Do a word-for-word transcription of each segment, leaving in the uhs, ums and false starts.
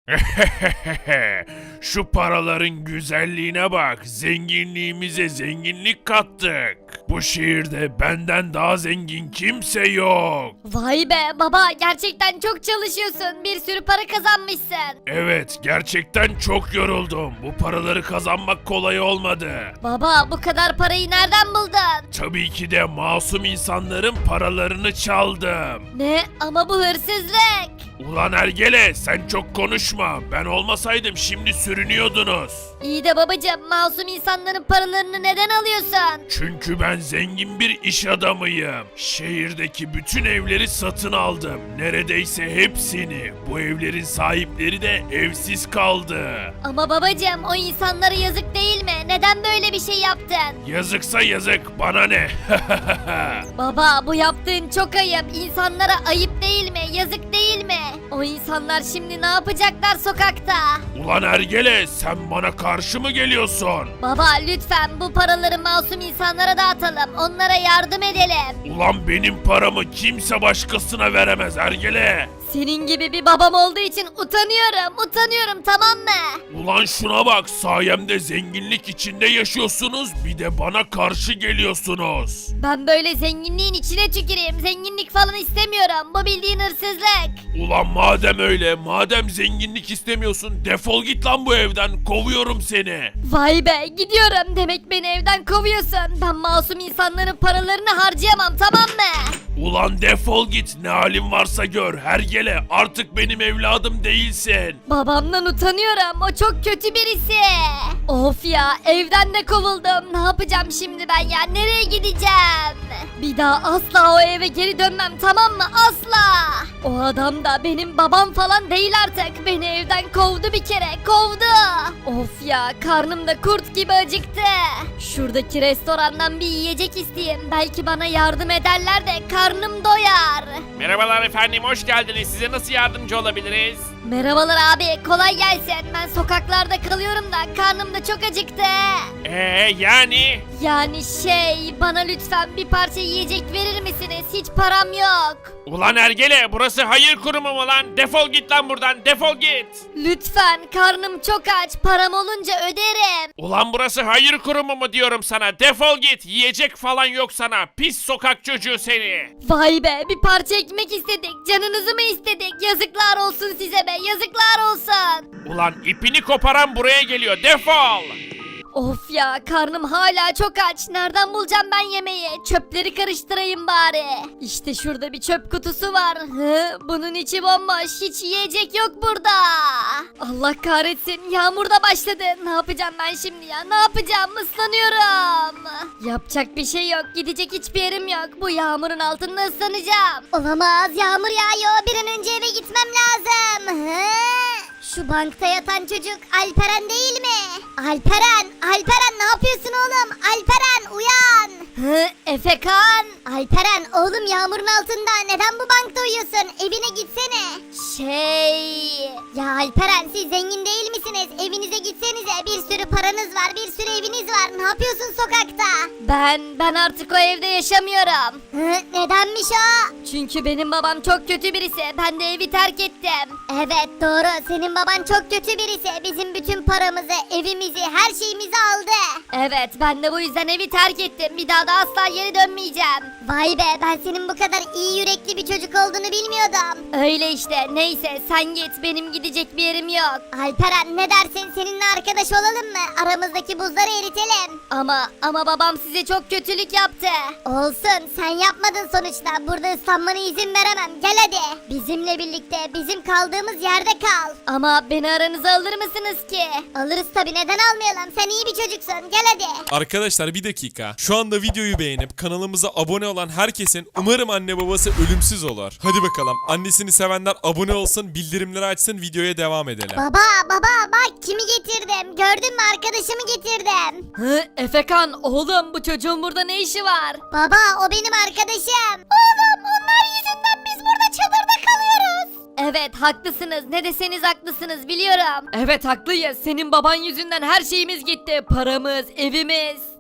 Şu paraların güzelliğine bak. Zenginliğimize zenginlik kattık. Bu şehirde benden daha zengin kimse yok. Vay be baba, gerçekten çok çalışıyorsun. Bir sürü para kazanmışsın. Evet, gerçekten çok yoruldum. Bu paraları kazanmak kolay olmadı. Baba, bu kadar parayı nereden buldun? Tabii ki de masum insanların paralarını çaldım. Ne? Ama bu hırsızlık. Ulan Ergele, sen çok konuşma. Ben olmasaydım şimdi sürünüyordunuz. İyi de babacığım, masum insanların paralarını neden alıyorsun? Çünkü ben zengin bir iş adamıyım. Şehirdeki bütün evleri satın aldım. Neredeyse hepsini. Bu evlerin sahipleri de evsiz kaldı. Ama babacığım, o insanlara yazık değil mi? Neden böyle bir şey yaptın? Yazıksa yazık, bana ne? Baba, bu yaptığın çok ayıp. İnsanlara ayıp değil mi? Yazık değil mi? O insanlar şimdi ne yapacaklar sokakta? Ulan Ergele, sen bana karşı mı geliyorsun? Baba, lütfen bu paraları masum insanlara dağıtalım. Onlara yardım edelim. Ulan benim paramı kimse başkasına veremez Ergele. Senin gibi bir babam olduğu için utanıyorum. Utanıyorum, tamam mı? Ulan şuna bak, sayemde zenginlik içinde yaşıyorsunuz, bir de bana karşı geliyorsunuz. Ben böyle zenginliğin içine tüküreyim. Zenginlik falan istemiyorum. Bu bildiğin hırsızlık. Ulan madem öyle, madem zenginlik istemiyorsun, defol git lan bu evden, kovuyorum seni. Vay be, gidiyorum. Demek beni evden kovuyorsun. Ben masum insanların paralarını harcayamam, tamam mı? Ulan defol git, ne halin varsa gör, hergele, artık benim evladım değilsin. Babamdan utanıyorum. O çok kötü birisi. Of ya, evden de kovuldum. Ne yapacağım şimdi ben ya? Nereye gideceğim? Bir daha asla o eve geri dönmem, tamam mı? Asla. O adam da benim babam falan değil artık. Beni evden kovdu bir kere. Kovdu. Of ya, karnım da kurt gibi acıktı. Şuradaki restorandan bir yiyecek isteyeyim. Belki bana yardım ederler de karnım doyar. Merhabalar efendim, hoş geldiniz. Size nasıl yardımcı olabiliriz? Merhabalar abi, kolay gelsin. Ben sokaklarda kalıyorum da karnım da çok acıktı. Eee yani? Yani şey, bana lütfen bir parça yiyecek verir misiniz? Hiç param yok. Ulan Ergele, burası hayır kurumu mu lan? Defol git lan buradan, defol git. Lütfen, karnım çok aç. Param olunca öderim. Ulan burası hayır kurumu mu diyorum sana? Defol git, yiyecek falan yok sana. Pis sokak çocuğu seni. Vay be, bir parça ekmek istedik. Canınızı mı istedik? Yazıklar olsun size be, yazıklar olsun. Ulan ipini koparan buraya geliyor, defol. Of ya, karnım hala çok aç. Nereden bulacağım ben yemeği? Çöpleri karıştırayım bari. İşte şurada bir çöp kutusu var. Hı, bunun içi bomboş. Hiç yiyecek yok burada. Allah kahretsin. Yağmur da başladı. Ne yapacağım ben şimdi ya? Ne yapacağım? Islanıyorum. Yapacak bir şey yok. Gidecek hiçbir yerim yok. Bu yağmurun altında ıslanacağım. Olamaz. Yağmur yağıyor. Bir an önce eve gitmem lazım. Hı? Şu bankta yatan çocuk Alperen değil mi? Alperen, Alperen ne yapıyorsun oğlum? Alperen uyan. Hı, Efekan. Alperen oğlum, yağmurun altında neden bu bankta uyuyorsun? Evine gitsene. Şey... Ya Alperen, siz zengin değil misiniz? Evinize gitsenize, bir sürü paranız var, bir sürü eviniz var. Ne yapıyorsun sokakta? Ben, ben artık o evde yaşamıyorum. Hı, nedenmiş o? Çünkü benim babam çok kötü birisi. Ben de evi terk ettim. Evet doğru, senin baban çok kötü birisi. Bizim bütün paramızı, evimizi, her şeyimizi aldı. Evet, ben de bu yüzden evi terk ettim. Bir daha da asla geri dönmeyeceğim. Vay be, ben senin bu kadar iyi yürekli bir çocuk olduğunu bilmiyordum. Öyle işte, neyse sen git, benim gidecek bir yerim yok. Alperen ne dersin, seninle arkadaş olalım mı? Aramızdaki buzları eritelim. Ama ama babam size çok kötülük yaptı. Olsun, sen yapmadın sonuçta. Burada ıslanmana izin veremem. Gel hadi. Bizimle birlikte, bizim kaldığımız yerde kal. Ama beni aranıza alır mısınız ki? Alırız tabii, neden almayalım? Sen iyi bir çocuksun. Gel hadi. Arkadaşlar bir dakika. Şu anda videoyu beğenip kanalımıza abone olan herkesin umarım anne babası ölümsüz olur. Hadi bakalım. Annesini sevenler abone olsun, bildirimleri açsın, videoya devam edelim. Baba baba bak kimi getirdim. Gördün mü, arkadaşımı getirdim. Hı, Efekan oğlum, bu çocuğun burada ne işi var? Baba o benim arkadaşım. Oğlum, onlar yüzünden biz burada çadırda kalıyoruz. Evet haklısınız, ne deseniz haklısınız, biliyorum. Evet haklıyız, senin baban yüzünden her şeyimiz gitti. Paramız, evimiz.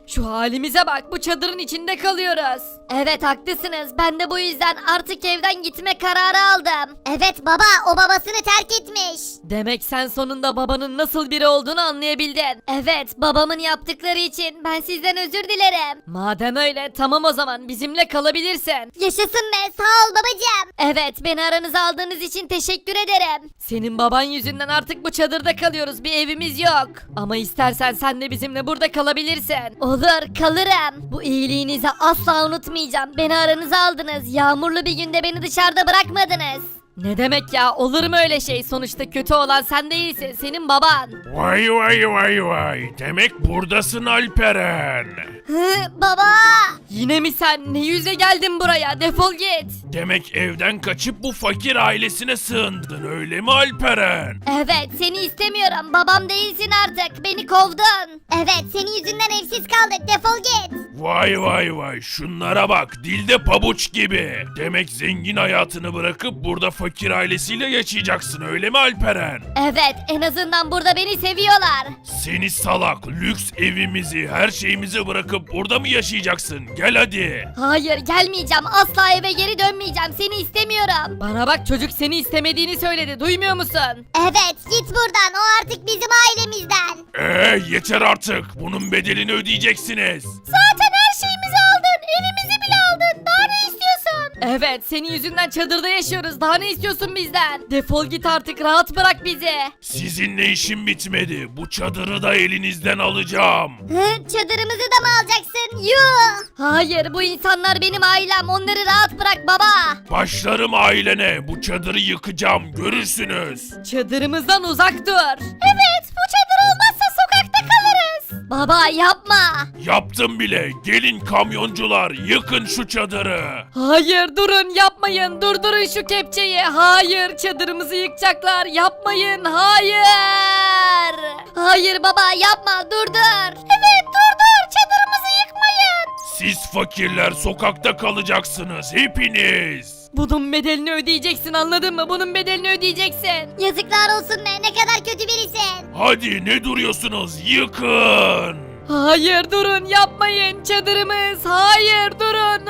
Şu halimize bak, bu çadırın içinde kalıyoruz. Evet haklısınız, ben de bu yüzden artık evden gitme kararı aldım. Evet baba, o babasını terk etmiş. Demek sen sonunda babanın nasıl biri olduğunu anlayabildin. Evet, babamın yaptıkları için ben sizden özür dilerim. Madem öyle, tamam o zaman bizimle kalabilirsin. Yaşasın be, sağ ol babacığım. Evet, beni aranıza aldığınız için teşekkür ederim. Senin baban yüzünden artık bu çadırda kalıyoruz, bir evimiz yok. Ama istersen sen de bizimle burada kalabilirsin. Olur, kalırım. Bu iyiliğinizi asla unutmayacağım. Beni aranıza aldınız. Yağmurlu bir günde beni dışarıda bırakmadınız. Ne demek ya, olur mu öyle şey? Sonuçta kötü olan sen değilsin, senin baban. Vay vay vay vay. Demek buradasın Alperen. Hı, baba. Yine mi sen? Ne yüzle geldin buraya? Defol git. Demek evden kaçıp bu fakir ailesine sığındın öyle mi Alperen? Evet, seni istemiyorum. Babam değilsin artık. Beni kovdun. Evet, senin yüzünden evsiz kaldık, defol git. Vay vay vay şunlara bak dilde pabuç gibi. Demek zengin hayatını bırakıp burada fakir ailesiyle yaşayacaksın öyle mi Alperen? Evet, en azından burada beni seviyorlar. Seni salak lüks evimizi her şeyimizi bırakıp burada mı yaşayacaksın? Gel hadi. Hayır, gelmeyeceğim. Asla eve geri dönmeyeceğim. Seni istemiyorum. Bana bak, çocuk seni istemediğini söyledi. Duymuyor musun? Evet, git buradan, o artık bizim ailemizden. Eee yeter artık bunun bedelini ödeyeceksiniz. Zaten her şeyimizi aldın. Evimizi bile aldın. Daha ne istiyorsun? Evet, senin yüzünden çadırda yaşıyoruz. Daha ne istiyorsun bizden? Defol git artık. Rahat bırak bizi. Sizinle işim bitmedi. Bu çadırı da elinizden alacağım. Hı, çadırımızı da mı alacaksın? Yuh. Hayır, bu insanlar benim ailem. Onları rahat bırak baba. Başlarım ailene. Bu çadırı yıkacağım. Görürsünüz. Çadırımızdan uzak dur. Evet, bu çadır olmazsa sokakta kalırız. Baba yapma. Yaptım bile. Gelin kamyoncular. Yıkın şu çadırı. Hayır, durun, yapmayın. Durdurun şu kepçeyi. Hayır, çadırımızı yıkacaklar. Yapmayın. Hayır. Hayır baba, yapma. Durdur. Evet, durdur. Çadırımızı yıkmayın. Siz fakirler sokakta kalacaksınız. Hepiniz. Bunun bedelini ödeyeceksin, anladın mı? Bunun bedelini ödeyeceksin. Yazıklar olsun be, ne kadar kötü birisin. Hadi ne duruyorsunuz? Yıkın. Hayır, durun, yapmayın. Çadırımız. Hayır, durun.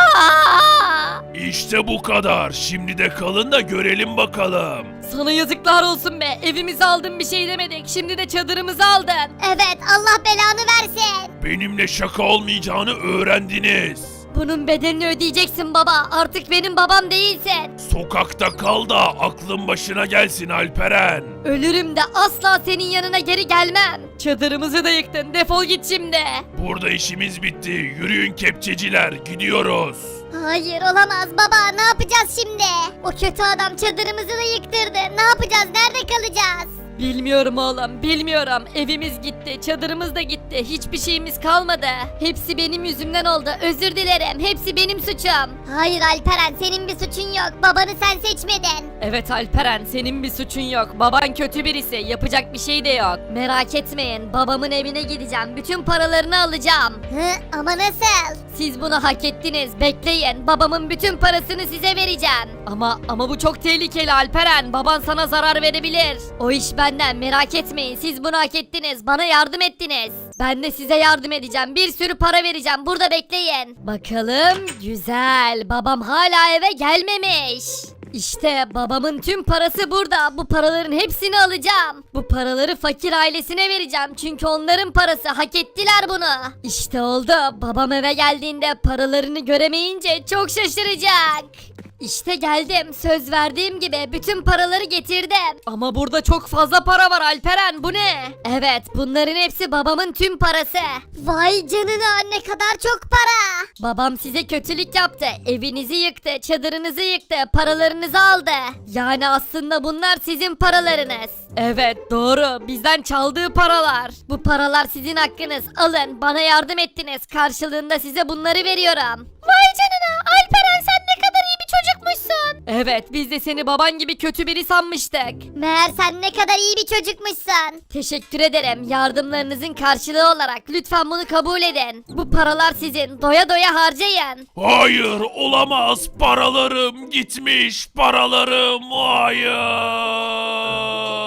Aa! İşte bu kadar. Şimdi de kalın da görelim bakalım. Sana yazıklar olsun be. Evimizi aldın, bir şey demedik. Şimdi de çadırımızı aldın. Evet, Allah belanı versin. Benimle şaka olmayacağını öğrendiniz. Bunun bedelini ödeyeceksin baba. Artık benim babam değilsin. Sokakta kal da aklın başına gelsin Alperen. Ölürüm de asla senin yanına geri gelmem. Çadırımızı da yıktın. Defol git şimdi. Burada işimiz bitti. Yürüyün kepçeciler. Gidiyoruz. Hayır, olamaz baba, ne yapacağız şimdi? O kötü adam çadırımızı da yıktırdı. Ne yapacağız, nerede kalacağız? Bilmiyorum oğlum, bilmiyorum. Evimiz gitti, çadırımız da gitti. Hiçbir şeyimiz kalmadı. Hepsi benim yüzümden oldu. Özür dilerim. Hepsi benim suçum. Hayır Alperen, senin bir suçun yok. Babanı sen seçmedin. Evet Alperen, senin bir suçun yok. Baban kötü birisi. Yapacak bir şey de yok. Merak etmeyin. Babamın evine gideceğim. Bütün paralarını alacağım. Hı, ama nasıl? Siz bunu hak ettiniz. Bekleyin. Babamın bütün parasını size vereceğim. Ama ama bu çok tehlikeli Alperen. Baban sana zarar verebilir. O iş benden, merak etmeyin. Siz bunu hak ettiniz. Bana yardım ettiniz. Ben de size yardım edeceğim. Bir sürü para vereceğim. Burada bekleyin. Bakalım. Güzel. Babam hala eve gelmemiş. İşte babamın tüm parası burada. Bu paraların hepsini alacağım. Bu paraları fakir ailesine vereceğim. Çünkü onların parası. Hak ettiler bunu. İşte oldu. Babam eve geldiğinde paralarını göremeyince çok şaşıracak. İşte geldim. Söz verdiğim gibi bütün paraları getirdim. Ama burada çok fazla para var Alperen. Bu ne? Evet, bunların hepsi babamın tüm parası. Vay canına, ne kadar çok para. Babam size kötülük yaptı. Evinizi yıktı, çadırınızı yıktı, paralarınızı aldı. Yani aslında bunlar sizin paralarınız. Evet, doğru. Bizden çaldığı paralar. Bu paralar sizin hakkınız. Alın, bana yardım ettiniz. Karşılığında size bunları veriyorum. Vay canına, Alperen sen ne kadar iyi bir çocukmuşsun. Evet, biz de seni baban gibi kötü biri sanmıştık. Meğer sen ne kadar iyi bir çocukmuşsun. Teşekkür ederim. Yardımlarınızın karşılığı olarak lütfen bunu kabul edin. Bu paralar sizin. Doya doya harcayın. Hayır olamaz. Paralarım gitmiş. Paralarım. Hayır.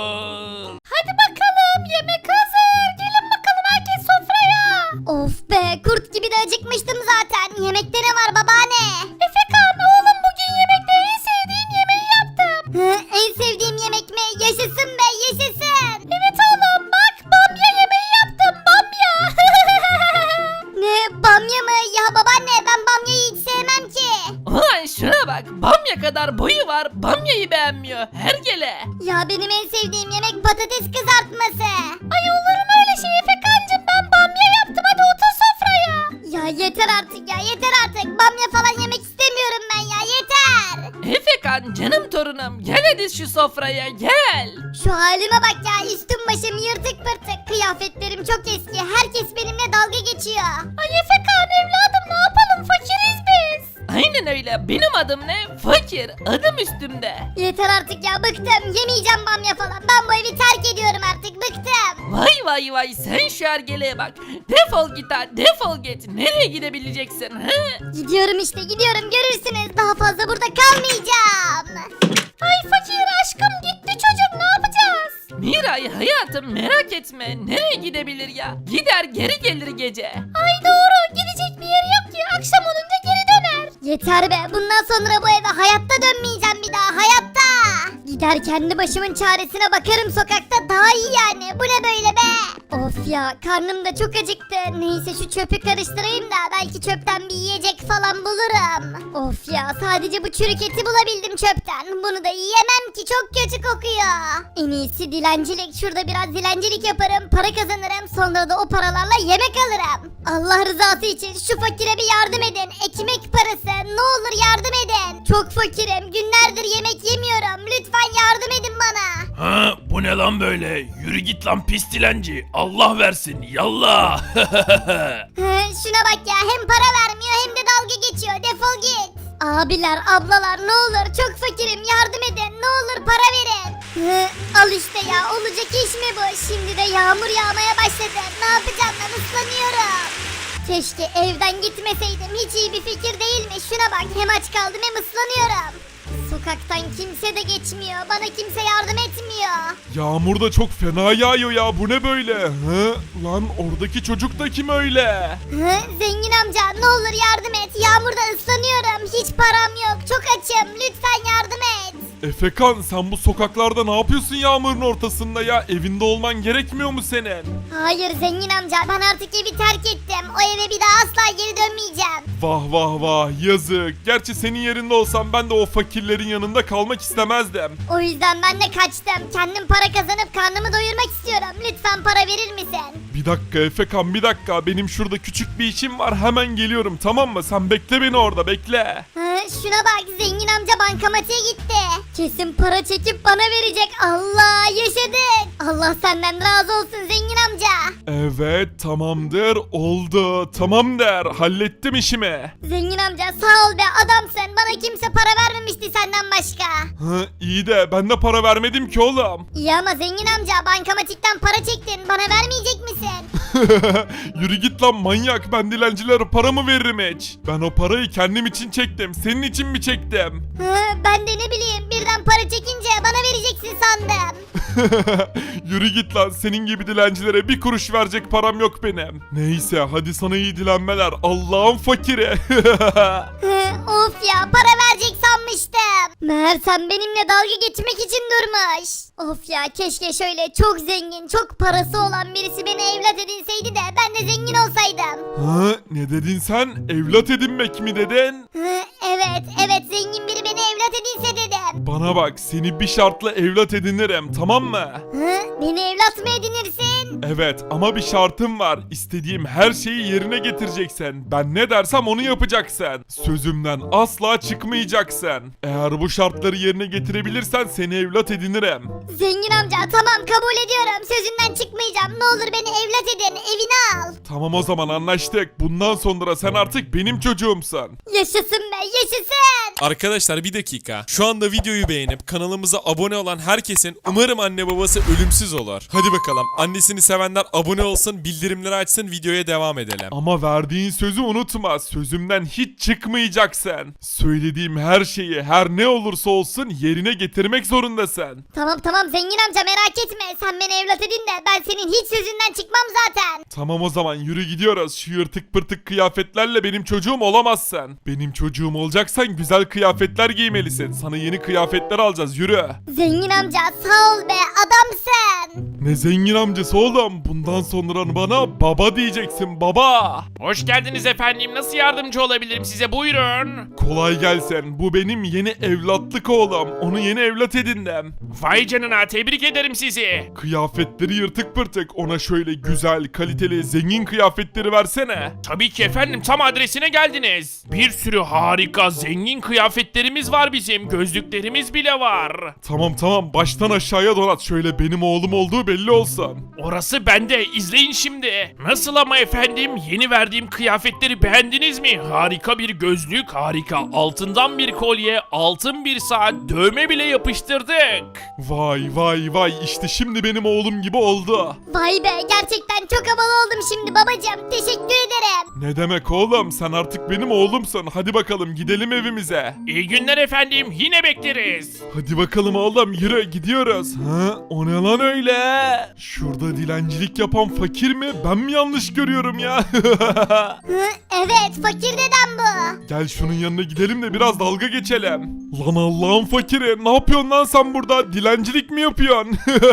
Hadi bakalım, yemek hazır. Gelin bakalım herkes sofraya. Of be, sevdiğim yemek patates kızartması. Ay olur mu öyle şey Efekancım, ben bamya yaptım, hadi otur sofraya. Ya yeter artık ya yeter artık. Bamya falan yemek istemiyorum ben ya yeter. Efekan canım torunum gel hadi şu sofraya gel. Şu halime bak ya, üstüm başım yırtık pırtık. Kıyafetlerim çok eski. Herkes benimle dalga geçiyor. Ay Efekan evladım, ne yapalım, fakiriz biz. Aynen öyle benim adım ne? Fakir adım üstümde. Yeter artık ya, bıktım. Yemeyeceğim bamya falan. Ben bu evi terk ediyorum artık, bıktım. Vay vay vay sen şu ergeleğe bak. Defol git ha defol git. Nereye gidebileceksin he? Gidiyorum işte gidiyorum, görürsünüz. Daha fazla burada kalmayacağım. Ay fakir aşkım, gitti çocuk, ne yapacağız? Miray hayatım merak etme. Nereye gidebilir ya? Gider geri gelir gece. Ay doğru, gidecek bir yeri yok ki, akşam olunca geri döner. Yeter be, bundan sonra bu eve hayatta dönmeyeceğim bir daha, hayatta. Gider kendi başımın çaresine bakarım sokakta, daha iyi yani. Bu ne böyle be? Of ya, karnım da çok acıktı. Neyse şu çöpü karıştırayım da belki çöpten bir yiyecek falan bulurum. Of ya, sadece bu çürük eti bulabildim çöpten. Bunu da yiyemem ki, çok kötü kokuyor. En iyisi dilencilik. Şurada biraz dilencilik yaparım, para kazanırım. Sonra da o paralarla yemek alırım. Allah rızası için şu fakire bir yardım edin. Ekmek parası, ne olur yardım edin. Çok fakirim, günlerdir yemek yemiyorum. Lütfen yardım edin bana. Ha bu ne lan böyle? Yürü git lan pis dilenci. Allah versin yallah. Hı, şuna bak ya, hem para vermiyor hem de dalga geçiyor. Defol git. Abiler, ablalar, ne olur çok fakirim, yardım edin. Ne olur para verin. Hı, al işte ya, olacak iş mi bu? Şimdi de yağmur yağmaya başladı. Ne yapacağım ben, ıslanıyorum. Keşke evden gitmeseydim. Hiç iyi bir fikir değilmiş. Şuna bak, hem aç kaldım hem ıslanıyorum. Sokaktan kimse de geçmiyor. Bana kimse yardım etmiyor. Yağmur da çok fena yağıyor ya, bu ne böyle? Hı? Lan oradaki çocuk da kim öyle? Hı, zengin amca, ne olur yardım et. Yağmurda ıslanıyorum. Hiç param yok. Çok açım. Lütfen yardım et. Efekan, sen bu sokaklarda ne yapıyorsun yağmurun ortasında ya? Evinde olman gerekmiyor mu senin? Hayır zengin amca, ben artık evi terk ettim. O eve bir daha asla geri dönmeyeceğim. Vah vah vah, yazık. Gerçi senin yerinde olsam ben de o fakirlerin yanında kalmak istemezdim. O yüzden ben de kaçtım. Kendim para kazanıp karnımı doyurmak istiyorum. Lütfen para verir misin? Bir dakika Efekan, bir dakika. Benim şurada küçük bir işim var, hemen geliyorum, tamam mı? Sen bekle beni orada, bekle. Hı, şuna bak, zengin amca bankamatiğe gitti. Kesin para çekip bana verecek. Allah, yaşadık. Allah senden razı olsun zengin amca. Evet, tamamdır, oldu. Tamam der, hallettim işimi. Zengin amca sağ ol be, adamsın. Bana kimse para vermemişti senden başka. Hı, iyi de ben de para vermedim ki oğlum. İyi ama zengin amca, bankamatikten para çektin. Bana vermeyecek misin? Yürü git lan manyak, ben dilencilere para mı veririm hiç? Ben o parayı kendim için çektim, senin için mi çektim? Hı, ben de ne bileyim, birden para çekince bana vereceksin sandım. Yürü git lan, senin gibi dilencilere bir kuruş verecek param yok benim. Neyse hadi sana iyi dilenmeler, Allah'ın fakiri. Hı, of ya, para verecek sanmıştım. Meğer sen benimle dalga geçmek için durmuş. Of ya, keşke şöyle çok zengin, çok parası olan birisi beni evlat edinseydi de ben de zengin olsaydım. Hı, ne dedin sen? Evlat edinmek mi dedin? Hı, evet, evet, zengin biri beni evlat edinse dedim. Bana bak, seni bir şartla evlat edinirim, tamam mı? Hı, beni evlat mı edinirsin? Evet ama bir şartım var. İstediğim her şeyi yerine getireceksin. Ben ne dersem onu yapacaksın. Sözümden asla çıkmayacaksın. Eğer bu şartları yerine getirebilirsen seni evlat edinirim. Zengin amca, tamam kabul ediyorum. Sözünden çıkmayacağım. Ne olur beni evlat edin, evine al. Tamam o zaman anlaştık. Bundan sonra sen artık benim çocuğumsun. Yaşasın be, yaşasın. Arkadaşlar bir dakika. Şu anda videoyu beğenip kanalımıza abone olan herkesin umarım anne babası ölümsüz olur. Hadi bakalım. Annesini sevenler abone olsun, bildirimleri açsın, videoya devam edelim. Ama verdiğin sözü unutma. Sözümden hiç çıkmayacaksın. Söylediğim her şeyi, her ne olursa olsun yerine getirmek zorundasın. Tamam tamam zengin amca, merak etme. Sen beni evlat edin de ben senin hiç sözünden çıkmam zaten. Tamam o zaman yürü gidiyoruz. Şu yırtık pırtık kıyafetlerle benim çocuğum olamazsın. Benim çocuğum olacaksan güzel kıyafetler giymelisin. Sana yeni kıyafetler alacağız, yürü. Zengin amca sağ ol be, adamsın. Ne zengin amcası oğlum? Bundan sonra bana baba diyeceksin, baba. Hoş geldiniz efendim. Nasıl yardımcı olabilirim size? Buyurun. Kolay gelsin. Bu benim yeni evlatlık oğlum. Onu yeni evlat edindim. Vay canına, tebrik ederim sizi. Kıyafetleri yırtık pırtık. Ona şöyle güzel, kaliteli, zengin kıyafetleri versene. Tabii ki efendim, tam adresine geldiniz. Bir sürü harika, zengin kıyafetlerimiz var bizim. Gözlüklerimiz bile var. Tamam tamam, baştan aşağıya donat. Şöyle benim oğlum olduğu belli olsun. Orası bende. İzleyin şimdi. Nasıl ama efendim? Yeni verdiğim kıyafetleri beğendiniz mi? Harika bir gözlük, harika altından bir kolye, altın bir saat, dövme bile yapıştırdık. Vay vay vay, işte şimdi benim oğlum gibi oldu. Vay be, gerçekten çok havalı oldum şimdi babacığım. Teşekkür ederim. Ne demek oğlum, sen artık benim oğlumsun. Hadi bakalım gidelim evimize. İyi günler efendim. Yine bekleriz. Hadi bakalım oğlum, yürü gidiyoruz. Ha, o ne lan öyle? Şurada dilencilik yapan fakir mi? Ben mi yanlış görüyorum ya? Hı, evet, fakir dedem bu. Gel şunun yanına gidelim de biraz dalga geçelim. Lan Allah'ın fakiri, ne yapıyorsun lan sen burada? Dilencilik mi yapıyorsun?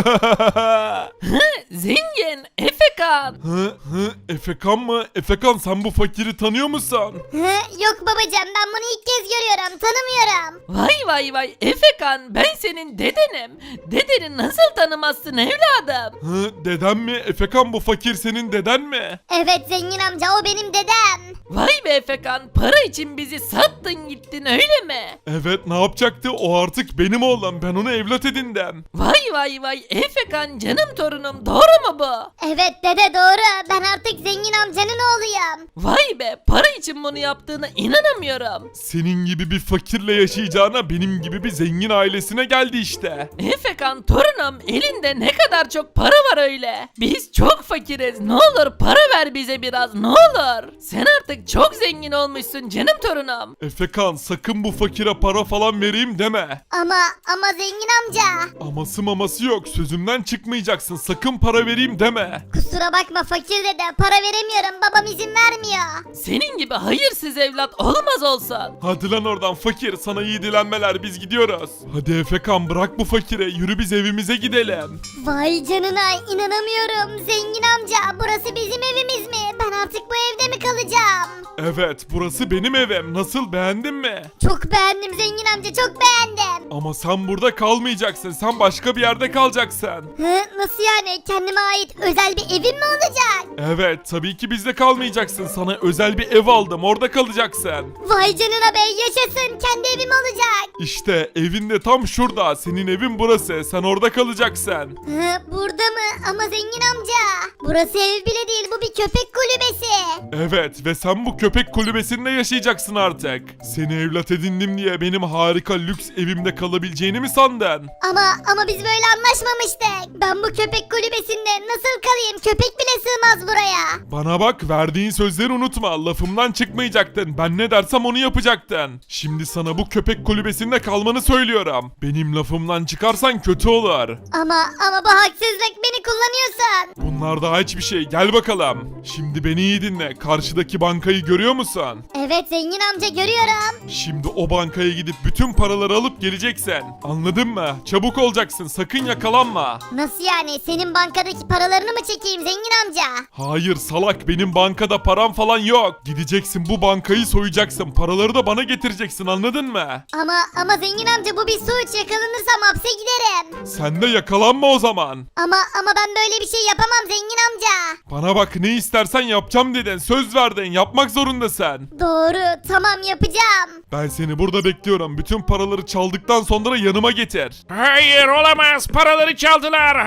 Zengin, Efekan. Hı hı, Efekan mı? Efekan, sen bu fakiri tanıyor musun? Hı, yok babacığım, ben bunu ilk kez görüyorum, tanımıyorum. Vay vay vay Efekan, ben senin dedenim. Dedeni nasıl tanımazsın evladım? Hı, deden mi? Efekan, bu fakir senin deden mi? Evet zengin amca, o benim dedem. Vay be Efekan, para için bizi sattın gittin öyle mi? Evet, ne yapacaktı? O artık benim oğlum. Ben onu evlat edindim. Vay vay vay Efekan, canım torunum, doğru mu bu? Evet dede, doğru. Ben artık zengin amcanın oğluyum. Vay be, para için bunu yaptığına inanamıyorum. Senin gibi bir fakirle yaşayacağına benim gibi bir zengin ailesine geldi işte. Efekan torunum, elinde ne kadar çok para var öyle. Biz çok fakiriz, ne olur para ver bize biraz, ne olur. Sen artık çok zengin olmuşsun canım torunum. Efekan, sakın bu fakire para falan vereyim deme. Ama ama zengin amca. Aması maması yok. Sözümden çıkmayacaksın. Sakın para vereyim deme. Kusura bakma fakir dede, para veremiyorum, babam izin vermiyor. Senin gibi hayırsız evlat olmaz olsun. Hadi lan oradan fakir. Sana iyi dilenmeler, biz gidiyoruz. Hadi Efekan, bırak bu fakire. Yürü biz evimize gidelim. Vay canına, inanamıyorum. Zengin amca, burası bizim evimiz mi? Ben artık bu evde mi kalacağım? Evet, burası benim evim. Nasıl, beğendin mi? Çok beğendim zengin amca, çok beğendim. Ama sen burada kalmayacaksın. Sen başka bir yerde kalacaksın. Hı, nasıl yani? Kendime ait özel bir evim mi olacak? Evet, tabii ki bizde kalmayacaksın. Sana özel bir ev aldım. Orada kalacaksın. Vay canına be, yaşasın. Kendi evim olacak. İşte evin de tam şurada. Senin evin burası. Sen orada kalacaksın. Hı, burada mı? Ama zengin amca. Burası ev bile değil, bu bir köpek kulübesi. Evet, ve sen bu köpek kulübesinde yaşayacaksın artık. Seni evlat edindim diye benim harika lüks evimde kalabileceğini mi sandın? Ama ama biz böyle anlaşmamıştık. Ben bu köpek kulübesinde nasıl kalayım? Köpek bile sığmaz buraya. Bana bak, verdiğin sözleri unutma. Lafımdan çıkmayacaktın. Ben ne dersem onu yapacaktın. Şimdi sana bu köpek kulübesinde kalmanı söylüyorum. Benim lafımdan çıkarsan kötü olur. Ama ama bu haksızlık, beni kullanıyorsun. Bunlar daha hiçbir şey. Gel bakalım. Şimdi beni iyi dinle. Karşıdaki bankayı görüyor musun? Evet zengin amca, görüyorum. Şimdi o bankaya gidip bütün paraları alıp geleceksin. Anladın mı? Çabuk olacaksın. Sakın yakalanma. Nasıl yani? Senin bankadaki paralarını mı çekeyim zengin amca? Hayır salak, benim bankada param falan yok. Gideceksin, bu bankayı soyacaksın. Paraları da bana getireceksin, anladın mı? Ama ama zengin amca, bu bir suç. Yakalanırsam hapse giderim. Sen de yakalanma o zaman. Ama ama ben böyle bir şey yapamam zengin amca. Bana bak, ne istersen yapacağım dedin. Söz verdin, yapmak zorundasın. Doğru, tamam yapacağım. Ben seni burada bekliyorum. Bütün paraları çaldıktan sonra yanıma getir. Hayır, olamaz. Paraları çaldılar.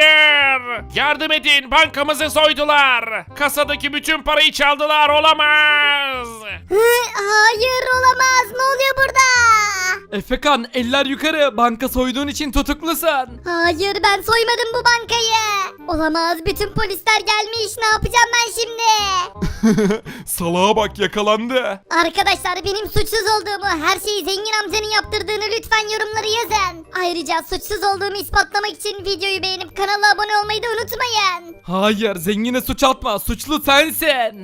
Hayır. Yardım edin. Bankamızı soydular. Kasadaki bütün parayı çaldılar. Olamaz. Hı, hayır olamaz. Ne oluyor burada? Efekan, eller yukarı, banka soyduğun için tutuklusun. Hayır, ben soymadım bu bankayı. Olamaz, bütün polisler gelmiş. Ne yapacağım ben şimdi? Salağa bak, yakalandı. Arkadaşlar, benim suçsuz olduğumu, her şeyi zengin amcanın yaptırdığını lütfen yorumlara yazın. Ayrıca suçsuz olduğumu ispatlamak için videoyu beğenip kanala abone olmayı da unutmayın. Hayır, zengine suç atma, suçlu sensin.